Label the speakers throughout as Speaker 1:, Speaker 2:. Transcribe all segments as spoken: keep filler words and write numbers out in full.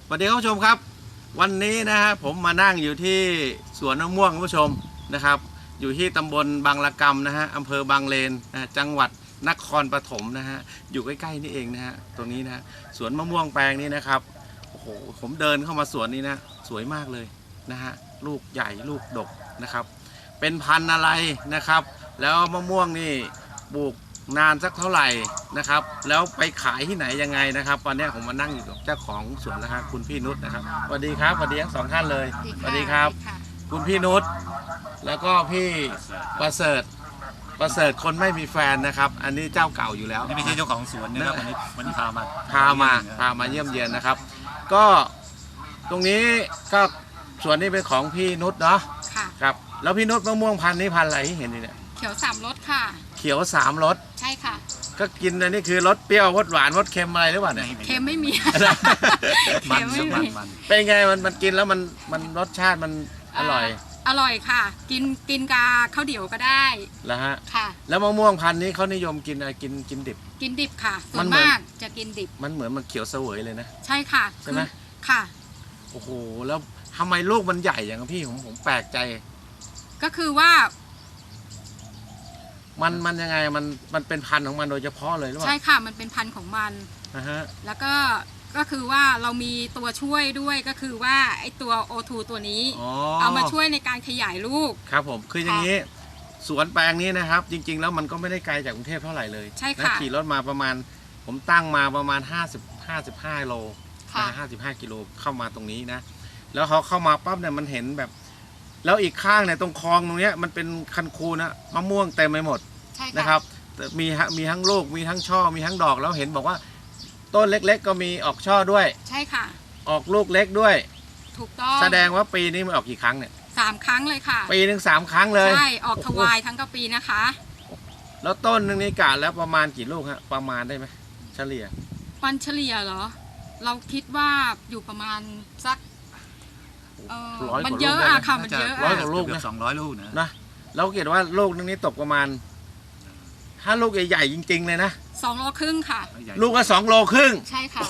Speaker 1: สวัสดีคุณผู้ชมครับวันนี้นะฮะผมมานั่งอยู่ที่สวนมะม่วงคุณผู้ชมนะครับอยู่ที่ตำบลบางละกำนะฮะอำเภอบางเลนนะจังหวัดนครปฐมนะฮะอยู่ใกล้ๆนี่เองนะฮะตรงนี้นะสวนมะม่วงแปลงนี้นะครับโอ้โหผมเดินเข้ามาสวนนี้นะสวยมากเลยนะฮะลูกใหญ่ลูกดกนะครับเป็นพันธุ์อะไรนะครับแล้วมะม่วงนี่ปลูกนานสักเท่าไหร่นะครับแล้วไปขายที่ไหนยังไงนะครับวันนี้ผมมานั่งอยู่กับเจ้าของสวนนะครับคุณพี่นุชนะครับสวัสดีครับสวัสดีทั้งสองท่านเลยสวัสดีครับคุณพี่นุชแล้วก็พี่ประเสริฐประเสริฐคนไม่มีแฟนนะครับอันนี้เจ้าเก่าอยู่แล้ว
Speaker 2: นี่ไม่ใช่เจ้าของสวนนะครับวันนี้วันนี้พามา
Speaker 1: พามาพามาเยี่ยมเยียนนะครับก็ตรงนี้ก็สวนนี้เป็นของพี่นุชเนาะครับแล้วพี่นุชมะม่วงพันธุ์นี้พันธุ์อะไรที่เห็นนี่เนี่ย
Speaker 3: เขียวสามรสค่ะ
Speaker 1: เขียวสามรส
Speaker 3: ใช่ค่ะ
Speaker 1: ก็กินอันนี้คือรสเปรี้ยวรสหวานรสเค็มอะไรหรือเปล่าเนี่ย
Speaker 3: เค็มไม่มี
Speaker 2: มันมันมัน
Speaker 1: เป็นไงมันมันกินแล้วมันมันรสชาติมันอร่อย
Speaker 3: อร่อยค่ะกินกินกาข้าวเดี่ยวก็ได้
Speaker 1: แล้วฮะ
Speaker 3: ค่ะ
Speaker 1: แล้วมะม่วงพันธุ์นี้เขานิยมกินอะไรกินกินดิบ
Speaker 3: กินดิบค่ะส่วนมากจะกินดิบ
Speaker 1: มันเหมือนมันเขียวเสวยเลยนะ
Speaker 3: ใช่ค่ะ
Speaker 1: ใช่ไหม
Speaker 3: ค่ะ
Speaker 1: โอ้โหแล้วทำไมลูกมันใหญ่อย่างพี่ผมผมแปลกใจ
Speaker 3: ก็คือว่า
Speaker 1: มันมันยังไงมันมันเป็นพันธุ์ของมันโดยเฉพาะเลยหรือเปล่า
Speaker 3: ใช่ค่ะมันเป็นพันธุ์ของมัน
Speaker 1: นะฮะ
Speaker 3: แล้วก็ก็คือว่าเรามีตัวช่วยด้วยก็คือว่าไอ้ตัว โอ ทู ตัวนี้เอามาช่วยในการขยายลูก
Speaker 1: ครับผมคืออย่างนี้สวนแปลงนี้นะครับจริงๆแล้วมันก็ไม่ได้ไกลจากกรุงเทพเท่าไหร่เลย
Speaker 3: ใช่ค่ะ
Speaker 1: ขี่รถมาประมาณผมตั้งมาประมาณห้าสิบ ห้าสิบห้าโลห้าสิบห้ากิโลเข้ามาตรงนี้นะแล้วเขาเข้ามาปั๊บเนี่ยมันเห็นแบบแล้วอีกข้างเนี่ยตรงคลองตรงนี้มันเป็นคันคูนะมะม่วงเต็มไปหมดนะครับมีมีทั้งลูกมีทั้งช่อมีทั้งดอกแล้วเห็นบอกว่าต้นเล็กๆก็มีออกช่อด้วย
Speaker 3: ใช่ค่ะ
Speaker 1: ออกลูกเล็กด้วย
Speaker 3: ถูกต้อง
Speaker 1: แสดงว่าปีนี้มันออกกี่ครั้งเนี่ย
Speaker 3: สามครั้งเลยค่ะ
Speaker 1: ปีหนึ่งสามครั้งเลย
Speaker 3: ใช่ออกทวายทั้งกปีนะคะ
Speaker 1: แล้วต้นหนึ่งนี่กะแล้วประมาณกี่ลูกฮะประมาณได้ไหมเฉลี่ย
Speaker 3: ปันเฉลี่ยเหรอเราคิดว่าอยู่ประมาณสักมันเยอะอะค่ะมันเยอะ
Speaker 1: ร้อยกว่าลูกนะ
Speaker 2: สองร้อยลูกนะ
Speaker 1: นะเราเกตว่าลูกนึงนี้ตกประมาณถ้าลูกใหญ่ๆจริงๆเลยนะ
Speaker 3: สองโลครึ่งค่ะ
Speaker 1: ลูกก็สองโลครึ่ง
Speaker 3: ใช่ค่ะ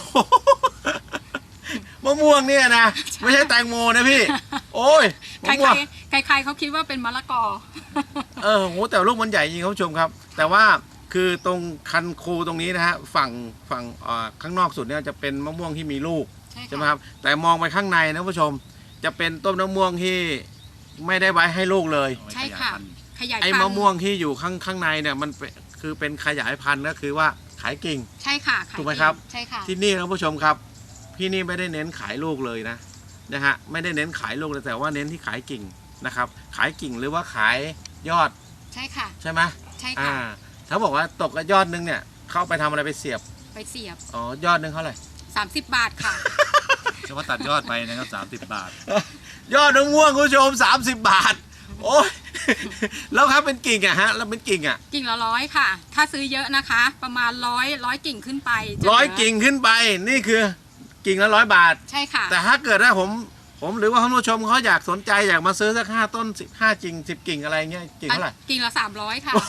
Speaker 1: มะม่วงเนี่ยนะไม่ใช่แตงโมนะพี่โอ้ย
Speaker 3: ใครใครใครเขาคิดว่าเป็นมะละกอ
Speaker 1: เออโหแต่ลูกมันใหญ่จริงคุณผู้ชมครับแต่ว่าคือตรงคันคูตรงนี้นะฮะฝั่งฝั่งข้างนอกสุดเนี่ยจะเป็นมะม่วงที่มีลูกใช่ไหมครับแต่มองไปข้างในนะคุณผู้ชมจะเป็นต้นมะม่วงที่ไม่ได้ไว้ให้ลูกเลย
Speaker 3: ใช่ค่ะขยายพันธุ์
Speaker 1: ไอ้มะม่วงที่อยู่ข้างข้างในเนี่ยมันคือเป็นขยายพันธุ์ก็คือว่าขายกิ่ง
Speaker 3: ใช่ค่ะ
Speaker 1: ถูกไหมครับ
Speaker 3: ใช่ค่ะ
Speaker 1: ที่นี่นะคุณผู้ชมครับพี่นี่ไม่ได้เน้นขายลูกเลยนะนะฮะไม่ได้เน้นขายลูกเลยแต่ว่าเน้นที่ขายกิ่งนะครับขายกิ่งหรือว่าขายยอด
Speaker 3: ใช่ค่ะ
Speaker 1: ใช่ไหม
Speaker 3: ใช่ค่ะ
Speaker 1: เขาบอกว่าตกยอดนึงเนี่ยเข้าไปทำอะไรไปเสียบ
Speaker 3: ไปเสียบ
Speaker 1: อ๋อยอดนึงเท่าไหร่
Speaker 3: สามสิบบาทค่ะ
Speaker 2: จะว่าตัดยอดไปนะครับสามสิบบาท
Speaker 1: ยอดมะม่วงคุณผู้ชมสามสิบบาทโอ้ยแล้วครับเป็นกิ่งอะฮะแล้วเป็นกิ่งอะ
Speaker 3: กิ่งละร้อยค่ะถ้าซื้อเยอะนะคะประมาณร้อยร้อยกิ่งขึ้นไป
Speaker 1: ร้อยกิ่งขึ้นไปนี่คือกิ่งละร้อยบาท
Speaker 3: ใช่ค่ะ
Speaker 1: แต่ถ้าเกิดว่าผมผมหรือว่าท่านผู้ชมเขาอยากสนใจอยากมาซื้อสักห้าต้นสิบห้ากิ่งสิบกิ่งอะไรเงี้ยกิ่งเท่าไหร่
Speaker 3: กิ่งละสามร้อยค่ะ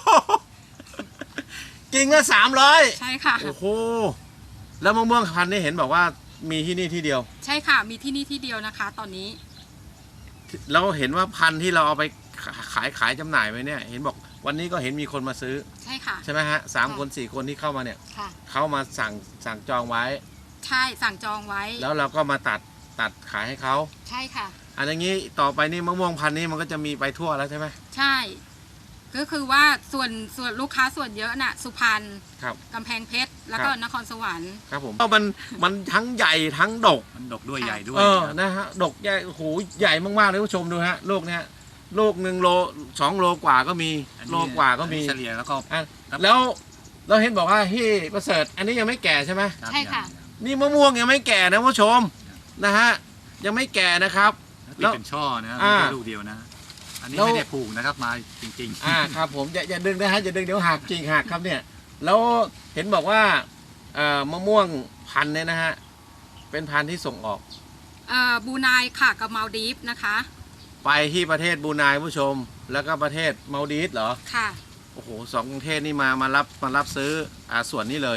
Speaker 1: กิ่งละสามร้อย
Speaker 3: ใช่ค่ะ
Speaker 1: โอ้โหแล้วมะม่วงพันธุ์นี่เห็นบอกว่ามีที่นี่ที่เดียว
Speaker 3: ใช่ค่ะมีที่นี่ที่เดียวนะคะตอนนี้
Speaker 1: เราเห็นว่าพันธุ์ที่เราเอาไปขายขายจำหน่ายไปเนี่ยเห็นบอกวันนี้ก็เห็นมีคนมาซื้อ
Speaker 3: ใช่ค่ะ
Speaker 1: ใช่ไหมฮะสามคนสี่คนที่เข้ามาเนี่ยเขามาสั่งสั่งจองไว้
Speaker 3: ใช่สั่งจองไว้
Speaker 1: แล้วเราก็มาตัดตัดขายให้เขา
Speaker 3: ใช่ค่ะ
Speaker 1: อันนี้ต่อไปนี่มะม่วงพันธุ์นี้มันก็จะมีไปทั่วแล้วใช่ไหม
Speaker 3: ใช่ก็คือว่าส่วนส่วนลูกค้าส่วนเยอะน่ะสุพรรณกำแพงเพชรแล้วก็นครสวรรค์
Speaker 1: ครับผมมันมันทั้งใหญ่ทั้งดก
Speaker 2: มันดกด้วยใหญ่ด้วย
Speaker 1: เออนะฮะดกใหญ่โอ้โหใหญ่มากๆเลยผู้ชมดูฮะลูกเนี้ยลูกหนึ่งโลสองโลกว่าก็มีโลกว่าก็มี
Speaker 2: เฉลี่ยแล้วก็
Speaker 1: แล้วเราเห็นบอกว่าที่ประเสริฐอันนี้ยังไม่แก่ใช่ไหม
Speaker 3: ใช่ค่ะ
Speaker 1: นี่มะม่วงยังไม่แก่นะผู้ชมนะฮะยังไม่แก่นะครับ
Speaker 2: แล้วเป็นช่อนะไม่ใช่ลูกเดียวนะอันนี้ไม่ได้ปลูกนะครับมาจริงๆ
Speaker 1: อ่าครับผมอย่าอย่าดึงนะฮะอย่าดึงเดี๋ยวหักกิ่งหักครับเนี่ยแล้วเห็นบอกว่าเอ่อมะม่วงพันธุ์เนี่ยนะฮะเป็นพันธุ์ที่ส่งออก
Speaker 3: เอ่อบูไนค่ะกับมาลดีฟนะคะ
Speaker 1: ไปที่ประเทศบูไนผู้ชมแล้วก็ประเทศมาลดีฟเหรอ
Speaker 3: ค่ะ
Speaker 1: โอ้โหสองประเทศนี่มามารับมารับซื้ออ่าส่วนนี้เลย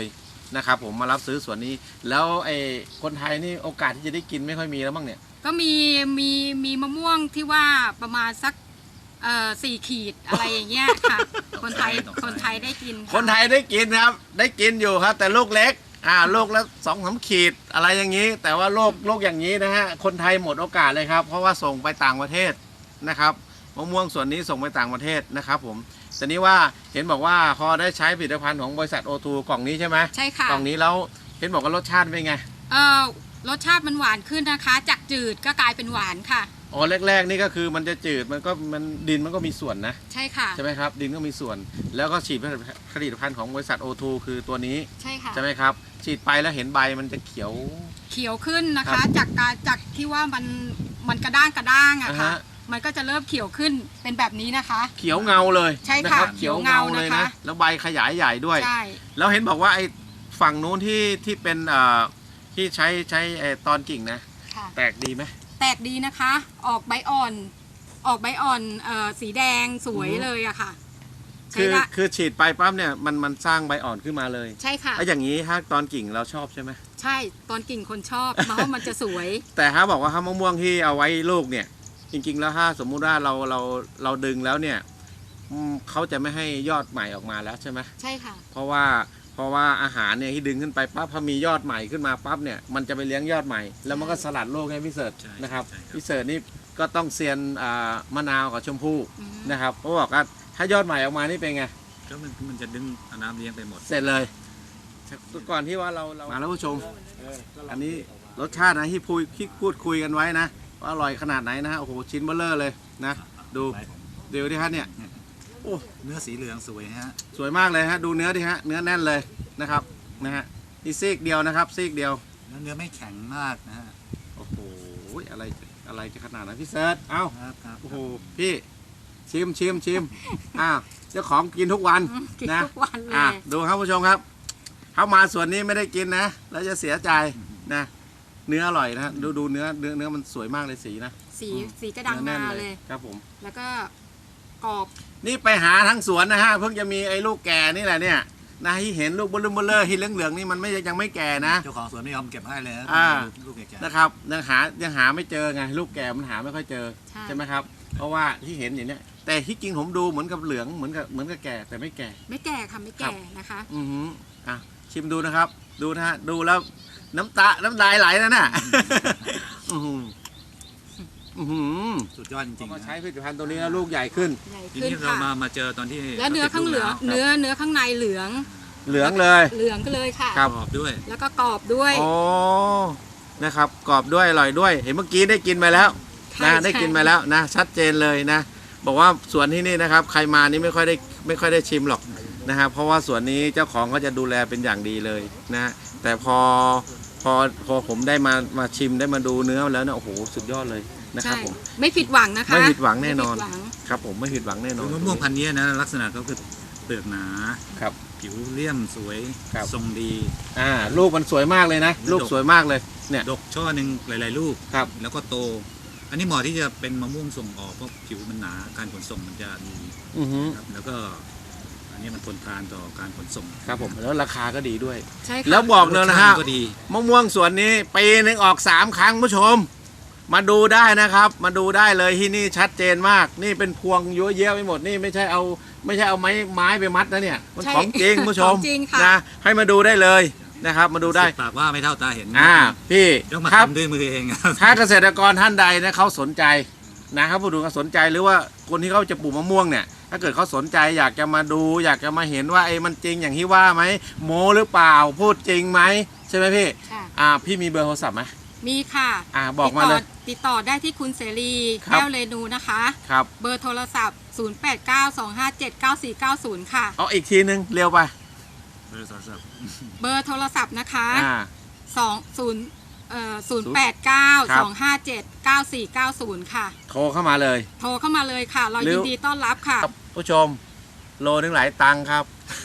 Speaker 1: นะครับผมมารับซื้อสวนนี้แล้วไอ้คนไทยนี่โอกาสที่จะได้กินไม่ค่อยมีแล้วบ้างเนี่ย
Speaker 3: ก็มีมีมีมะม่วงที่ว่าประมาณสักเอ่อสี่ขีดอะไรอย่างเงี้ยค่ะ คนไทยคนไทยได้กินค่ะ
Speaker 1: คนไทยได้กินครับได้กินอยู่ครับ แต่ลูกเล็กอ่าลูกละสองสามขีดอะไรอย่างนี้ แต่ว่าโลกโลกอย่างนี้นะฮะคนไทยหมดโอกาสเลยครับเพราะว่าส่งไปต่างประเทศนะครับมะม่วงส่วนนี้ส่งไปต่างประเทศนะครับผมแต่นี้ว่าเห็นบอกว่าพอได้ใช้ผลิตภัณฑ์ของบริษัทโอทูกล่องนี้ใช่ไหม
Speaker 3: ใช่ค่ะ
Speaker 1: กล่องนี้แล้วเห็นบอกว่ารสชาติเป็นไง
Speaker 3: เอ่อรสชาติมันหวานขึ้นนะคะ จากจืดก็กลายเป็นหวานค่ะ
Speaker 1: อ๋อแรกๆนี่ก็คือมันจะจืดมันก็มันดินมันก็มีส่วนนะ
Speaker 3: ใช่ค่ะ
Speaker 1: ใช่ไหมครับดินก็มีส่วน แล้วก็ฉีดผลิตภัณฑ์ของบริษัทโอทูคือตัวนี้
Speaker 3: ใช่ค่ะ
Speaker 1: ใช่ไหมครับฉีดไปแล้วเห็นใบมันจะเขียว
Speaker 3: เขียวขึ้นนะ
Speaker 1: ครั
Speaker 3: คะ
Speaker 1: บ
Speaker 3: จากการจากที่ว่ามันมันกระด้างกระด้างอะ
Speaker 1: อ่า
Speaker 3: ค่ะ
Speaker 1: ฮะ
Speaker 3: มันก็จะเริ่มเขียวขึ้นเป็นแบบนี้นะคะ
Speaker 1: เขียวเงาเลย
Speaker 3: ใช่
Speaker 1: นะ
Speaker 3: ค่ะ
Speaker 1: รับเขียวเงาเลย
Speaker 3: เขียวเงา
Speaker 1: นะ
Speaker 3: นะคะ
Speaker 1: แล้วใบขยายใหญ่ด้วย
Speaker 3: ใช่
Speaker 1: แล้วเห็นบอกว่าไอ้ฝั่งนู้นที่ที่เป็นเอ่อที่ใช้ใช้ไอ้ตอนกิ่งนะ
Speaker 3: ค่ะ
Speaker 1: แตกดีไหม
Speaker 3: แตกดีนะคะ ออกใบอ่อน ออกใบอ่อนเอ่อสีแดงสวย
Speaker 1: อือฮึ
Speaker 3: เลยอะค่ะ ใช้
Speaker 1: คือ
Speaker 3: ได้
Speaker 1: คือฉีดไปปั๊บเนี่ยมันมันสร้างใบอ่อนขึ้นมาเลย
Speaker 3: ใช่ค่ะ
Speaker 1: แล้วอย่างนี้ถ้าตอนกิ่งเราชอบใช่ไหม
Speaker 3: ใช่ตอนกิ่งคนชอบ เพราะว่ามันจะสวย
Speaker 1: แต่ถ้าบอกว่าถ้ามะม่วงที่เอาไว้ลูกเนี่ยจริงๆแล้วถ้าสมมุติว่าเราเราเราดึงแล้วเนี่ยอืมเขาจะไม่ให้ยอดใหม่ออกมาแล้วใช่ไหม
Speaker 3: ใช่ค่ะ
Speaker 1: เพราะว่าเพราะว่าอาหารเนี่ยที่ดึงขึ้นไปปั๊บพอมียอดใหม่ขึ้นมาปั๊บเนี่ยมันจะไปเลี้ยงยอดใหม่ แล้วมันก็สลัดโลกให้พี่เสิร์ช
Speaker 2: ใช่
Speaker 1: นะครับ
Speaker 2: ใช่ครับ
Speaker 1: พี่เสิร์ชนี่ก็ต้องเซียนอ่ามะนาวกับชมพู่
Speaker 3: อืม
Speaker 1: นะครับเพราะบอกว่าถ้ายอดใหม่ออกมานี่เป็นไง
Speaker 2: ก็มันมันจะดึงเอาน้ำเลี้ยงไปหมด
Speaker 1: เสร็จเลยก่อนที่ว่าเราเรามาแล้วผู้ชมอันนี้รสชาตินะที่พูดที่พูดคุยกันไว้นะว่าอร่อยขนาดไหนนะฮะโอ้โหชิ้นเบลเลอร์เลยนะดูเดี๋ยวดิฮะเนี่ยโอ้
Speaker 2: เนื้อสีเหลืองสวยฮะ
Speaker 1: สวยมากเลยฮะดูเนื้อดิฮะเนื้อแน่นเลยนะครับนะฮะนี่ซีกเดียวนะครับซีกเดียว
Speaker 2: แล้วเนื้อไม่แข็งมากนะฮะ
Speaker 1: โอ้โหอะไรอะไรจะขนาดนั้นพี่เซิร์ชเอ้า
Speaker 2: ครับครับ
Speaker 1: โอ้โหพี่ชิมชิมชิมอ้าวเจ้าของกินทุกวัน
Speaker 3: กิน
Speaker 1: นะ
Speaker 3: ทุกวันเล
Speaker 1: อ่ะ
Speaker 3: ย
Speaker 1: ดูครับผู้ชมครับเข้ามาส่วนนี้ไม่ได้กินนะแล้วจะเสียใจนะเนื้ออร่อยนะดูดูเนื้อเนื้อเนื้อมันสวยมากเลยสีนะ
Speaker 3: สีสีกระดัง
Speaker 1: เนื้อ
Speaker 3: มา
Speaker 1: แน่น
Speaker 3: เลย
Speaker 1: ครับผม
Speaker 3: แล้วก็กรอบ
Speaker 1: นี่ไปหาทั้งสวนนะฮะเพิ่งจะมีไอ้ลูกแก่นี่แหละเนี่ยนะที่เห็นลูกเบลเลอร์ที่เหลืองๆนี่มันไม่ยังไม่แก่นะ
Speaker 2: เจ้าของสวนไม่ยอมเก็บให้เลยนะ
Speaker 1: อ่า
Speaker 2: ลูกแก่ๆ
Speaker 1: นะครับยังหายังหาไม่เจอไงลูกแก่มันหาไม่ค่อยเจอ
Speaker 3: ใช่
Speaker 1: ใช่ไหมครับ เพราะว่าที่เห็นอย่างเนี้ยแต่ที่จริงผมดูเหมือนกับเหลืองเหมือนกับเหมือนกับแก่แต่ไม่แก่
Speaker 3: ไม่แก่ค่ะไม่แก่นะคะ
Speaker 1: อือหืออ่ะชิมดูนะครับ ดูนะฮะดูแล้วน้ำตาน้ำลายไหลนะน่ะ อือหืออือหือ
Speaker 2: สุดยอดจ
Speaker 1: พอ
Speaker 2: ริงๆ
Speaker 1: มา
Speaker 2: นะ
Speaker 1: ใช้ผลิตภัณฑ์ตัวนี้แล้วลูกใหญ่ขึ้น
Speaker 3: ใหญ่
Speaker 2: ที
Speaker 3: ขึ้น
Speaker 2: นี้เรา
Speaker 3: ค่ะ
Speaker 2: มามาเจอตอนที่
Speaker 3: แล้วเนื้อข้างเหลือง
Speaker 2: ราติดลูก
Speaker 3: เนื้อเนื้อข้างในเหลือง
Speaker 1: เหลืองเลย
Speaker 3: เหลืองก็เลยค่ะ
Speaker 1: ครับ
Speaker 2: กรอบด้วย
Speaker 3: แล้วก็กรอบด้วย
Speaker 1: โอ้นะครับกรอบด้วยอร่อยด้วย เห็นเมื่อกี้ได้กินไปแล้ว
Speaker 3: ใช่
Speaker 1: นะ
Speaker 3: ใช่
Speaker 1: ได้กินไปแล้วนะชัดเจนเลยนะ บอกว่าสวนที่นี่นะครับ ใครมานี่ไม่ค่อยได้ไม่ค่อยได้ชิมหรอกนะครับเพราะว่าสวนนี้เจ้าของก็จะดูแลเป็นอย่างดีเลยนะแต่พอพอพอผมได้มามาชิมได้มาดูเนื้อแล้วเนี่ยโอ้โหสุดยอดเลยนะครับ
Speaker 3: ใช่
Speaker 1: ผม
Speaker 3: ไม่ผิดหวังนะคะ
Speaker 1: ไม่ผิดหวังแน่นอน
Speaker 3: ไม่ผิดหวัง
Speaker 1: ครับผมไม่ผิดหวังแน่นอน
Speaker 2: มะม่วงพันธุ์นี้นะลักษณะก็คือเปลือกหนา
Speaker 1: ครับ
Speaker 2: ผิวเลี่ยมสวย
Speaker 1: ครับ
Speaker 2: ทรงดี
Speaker 1: อ่าลูกมันสวยมากเลยนะ ลูกสวยมากเลยเนี่ย
Speaker 2: ดกช่อหนึ่งหลาย ๆ ลูก
Speaker 1: ครับ
Speaker 2: แล้วก็โต อันนี้เหมาะที่จะเป็นมะม่วงส่งออกเพราะผิวมันหนาการขนส่งมันจะดี
Speaker 1: อือฮึ
Speaker 2: ครับแล้วก็อันนี้มันทนทานต่อการขนส่ง
Speaker 1: ครับผมแล้วราคาก็ดีด้วย
Speaker 3: ใช่ค่ะ
Speaker 1: แล้วบอกเลยนะฮะ
Speaker 2: รสชาติก็ดี
Speaker 1: มะม่วงสวนนี้ปีหนึงออกสามครั้งผู้ชม มาดูได้นะครับ มาดูได้เลยที่นี่ชัดเจนมาก นี่เป็นพวงเยอะแยะไปหมดนี่ไม่ใช่เอาไม่ใช่เอาไม้ไม้ไปมัดนะเนี่ยมัน
Speaker 3: ใช่
Speaker 1: ของจริงผู้ชม
Speaker 3: ของจริงค่ะ
Speaker 1: นะให้มาดูได้เลยนะครับ มาดูได้
Speaker 2: ปากว่าไม่เท่าตาเห็น
Speaker 1: อ่าพี่
Speaker 2: ต้องมา
Speaker 1: ครับ
Speaker 2: ทำด้วยมือเองครับ
Speaker 1: ถ้าเกษตรกรท่านใดนะเขาสนใจนะครับผู้ดูเขาสนใจหรือว่าคนที่เขาจะปลูกมะม่วงเนี่ย ถ้าเกิดเขาสนใจอยากจะมาดู อยากจะมาเห็นว่าไอ้มันจริงอย่างที่ว่าไหมโมหรือเปล่าพูดจริงไหมใช่ไหมพี่
Speaker 3: ค่ะ
Speaker 1: อ่าพี่มีเบอร์โทรศัพท์ไหม
Speaker 3: มีค่ะ
Speaker 1: อ่าบอกมาเลย
Speaker 3: ติดต่อติดต่อได้ที่คุณเสรี
Speaker 1: ครับ
Speaker 3: แก้วเรนูนะคะ
Speaker 1: ครับ
Speaker 3: เบอร์โทรศัพท์ ศูนย์ แปด เก้า สอง ห้า เจ็ด เก้า สี่ เก้า ศูนย์ ค่ะ
Speaker 1: เอาอีกทีนึงเร็วไป
Speaker 2: บริษัท
Speaker 3: เบอร์โทรศัพท์นะคะ
Speaker 1: อ่า
Speaker 3: สอง ศูนย์ เอ่อ ศูนย์ แปด เก้า
Speaker 1: ครั
Speaker 3: ส
Speaker 1: บ
Speaker 3: อง ห้า เจ็ด เก้า สี่ เก้า ศูนย์ ค่ะ
Speaker 1: โทรเข้ามาเลย
Speaker 3: โทรเข้ามาเลยค่ะ เรา
Speaker 1: หรือ
Speaker 3: ยินดีต้อนรับค่ะ
Speaker 1: ครับผู้ชม โลนึงหลายตังค์ครับ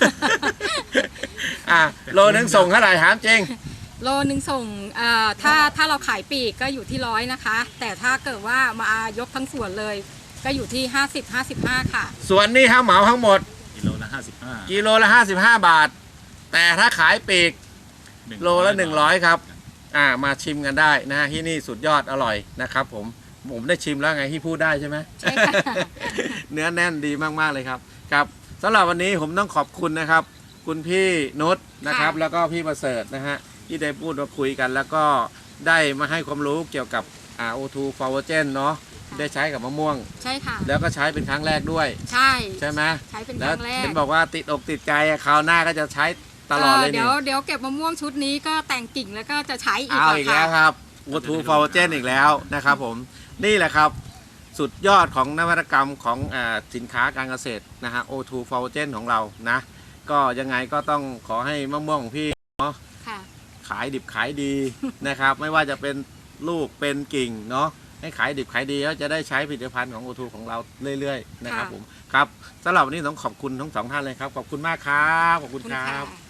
Speaker 1: อ่าโลนึงส่งเท่าไหร่ถามจริง
Speaker 3: โลหนึ่งส่งเอ่อถ้าถ้าเราขายปลีกก็อยู่ที่ร้อยนะคะ แต่ถ้าเกิดว่ามายกทั้งส่วนเลย ก็อยู่ที่ ห้าสิบ ห้าสิบห้า ค่ะ
Speaker 1: ส่วนนี้ถ้าเหมาทั้งหมด
Speaker 2: กิโลละห้าสิบห้า
Speaker 1: กิโลละห้าสิบห้าบาท แต่ถ้าขายปลีกโลละหนึ่งร้อยครับอ่ามาชิมกันได้นะฮะที่นี่สุดยอดอร่อยนะครับผมผมได้ชิมแล้วไงที่พูดได้ใช่ไหม
Speaker 3: ใช่ค่ะ
Speaker 1: เนื้อแน่นดีมากๆเลยครับครับสำหรับวันนี้ผมต้องขอบคุณนะครับ คุณพี่นุชนะครับ
Speaker 3: ค่ะ
Speaker 1: แล้วก็พี่ประเสริฐนะฮะที่ได้พูดมาคุยกัน แล้วก็ได้มาให้ความรู้เกี่ยวกับอ่า โอ ทู ฟลาวเจน เนาะได้ใช้กับมะม่วง
Speaker 3: ใช่ค่ะ
Speaker 1: แล้วก็ใช้เป็นครั้งแรกด้วย
Speaker 3: ใช่
Speaker 1: ใช่ไหม
Speaker 3: ใช้เป็นค
Speaker 1: แล้ว
Speaker 3: รั้งแรก
Speaker 1: เห็นบอกว่าติดอกติดใจอะคราวหน้าก็จะใช้ตลอดเลย
Speaker 3: เดี๋
Speaker 1: นี่
Speaker 3: ยวเดี๋ยวเก็บมะม่วงชุดนี้ก็แต่งกิ่งแล้วก็จะใช้อีก
Speaker 1: เอา
Speaker 3: อะ
Speaker 1: อีก
Speaker 3: ค่ะ
Speaker 1: แล้วครับ โอ ทู ฟลาวเจน อีกแล้วนะครับผมนี่แหละครับสุดยอดของนวัตกรรมของอาสินค้าการเกษตรนะฮะ โอ ทู ฟลาวเจน ของเรานะก็ยังไงก็ต้องขอให้มะม่วงของพี่เนาะ
Speaker 3: ค่ะ
Speaker 1: ขายดิบขายดี นะครับ ไม่ว่าจะเป็นลูกเป็นกิ่งเนาะให้ขายดิบขายดีแล้วจะได้ใช้ผลิตภัณฑ์ของ โอ ทู ของเราเรื่อยๆนะครับ
Speaker 3: ค่ะ
Speaker 1: ผมครับสำหรับวันนี้ต้องขอบคุณทั้งสองท่านเลยครับขอบคุณมากครับขอบคุณ
Speaker 3: คุณ
Speaker 1: ครั
Speaker 3: ค่ะ
Speaker 1: บ